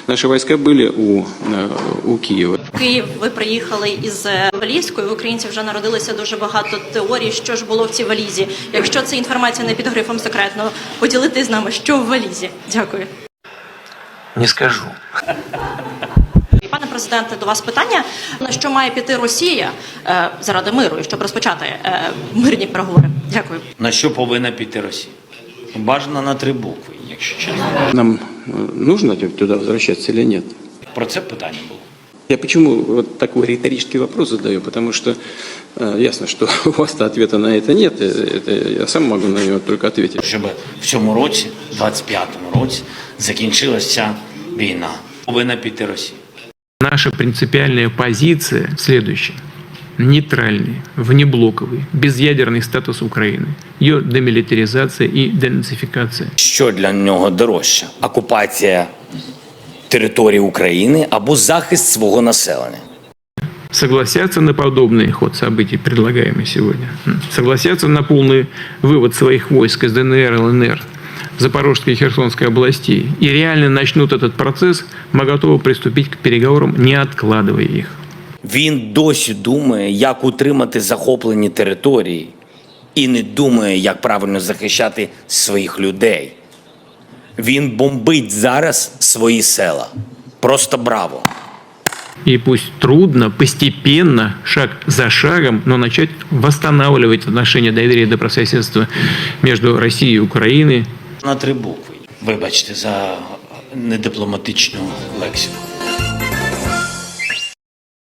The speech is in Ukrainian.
Наши войска были у Києва. В Київ ви приїхали із валізкою. В українців вже народилося дуже багато теорій, що ж було в цій валізі. Якщо це інформація не під грифом секретно, поділитись з нами, що в валізі. Дякую. Не скажу. Пане президенте, до вас питання. На що має піти Росія заради миру і щоб розпочати мирні переговори? Дякую. На що повинна піти Росія? Бажано на 3 букви, якщо чесно. Нам нужно туда возвращаться или нет? Про це питання було. Я почему вот такой риторический вопрос задаю? Потому что ясно, что у вас-то ответа на это нет. Это я сам могу на него только ответить. Щоб в цьому році, 25-му році, закінчилася ця війна. Повинна піти Росія. Наша принципиальная позиция следующая. Нейтральный, внеблоковый, безъядерный статус Украины, ее демилитаризация и денацификация. Що для нього дорожче? Окупація території України або захист свого населення? Согласятся на подобный ход событий, предлагаемый сегодня. Согласятся на полный вывод своих войск из ДНР, ЛНР, Запорожской и Херсонской областей и реально начнут этот процесс, мы готовы приступить к переговорам, не откладывая их. Він досі думає, як утримати захоплені території, і не думає, як правильно захищати своїх людей. Він бомбить зараз свої села. Просто браво! И пусть трудно, постепенно, шаг за шагом, но начать восстанавливать отношения доверия и добрососедства между Россией и Украиной. На 3 букви. Вибачте за недипломатичну лексику.